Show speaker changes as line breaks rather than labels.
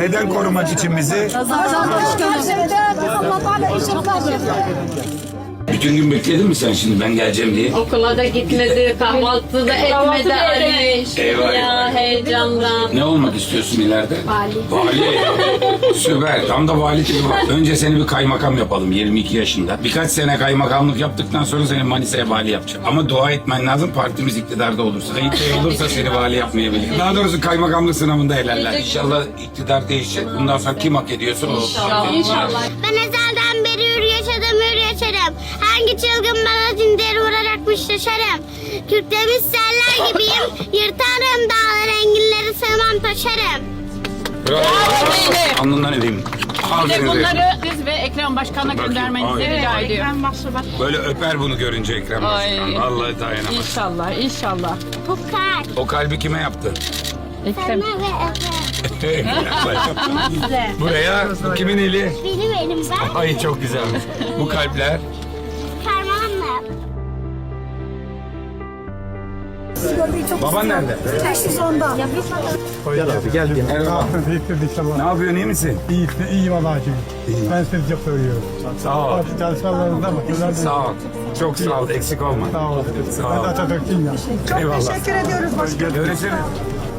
Neden korumak için bizi? Bütün gün bekledin mi sen şimdi ben geleceğim diye?
Okula da gitmedi, kahvaltı da etmedi Ali.
Eyvah.
Ya heyecandan.
Ne olmak istiyorsun ileride?
Vali.
Vali. Süper. Tam da vali tipi var. Önce seni bir kaymakam yapalım 22 yaşında. Birkaç sene kaymakamlık yaptıktan sonra seni Manisa'ya vali yapacağım. Ama dua etmen lazım partimiz iktidarda olursa. Tayyip Bey olursa seni vali yapmayabilir. Daha doğrusu kaymakamlık sınavında helaller. İnşallah iktidar değişecek. Bundan sonra kim hak ediyorsa o.
İnşallah.
Ben ezelden beri hür yaşarım. Hangi çılgın bana zincir vuracakmış şaşarım. Kürklemiş seller gibiyim. Yırtarım dağlar enginleri sığmam taşarım.
Bravo. Alnından edeyim. Aferin.
Bunları biz ve Ekrem Başkan'a göndermenizi rica ediyorum.
Böyle öper bunu görünce Ekrem Başkan. Vallahi dayanamaz.
İnşallah, inşallah.
Bu kalp.
O kalbi kime yaptın?
Ekrem.
Sana ve Efe.
Buraya kimin eli?
Benim elimden
Ay çok güzelmiş. Bu kalpler.
parmağımla.
Baban nerede? Merhaba. Ne yapıyorsun iyi misin?
İyiyim Allah'a şükür. Ben sizi çok seviyorum.
Sağ ol.
Çalışmalarınızda başarılar
Sağ ol. Çok sağ ol. Eksik olma.
Sağ olun.
Sağ ol.
Ben de Atatürk'üm ya.
Eyvallah.
Teşekkür ediyoruz başkanım.
Görüşürüz.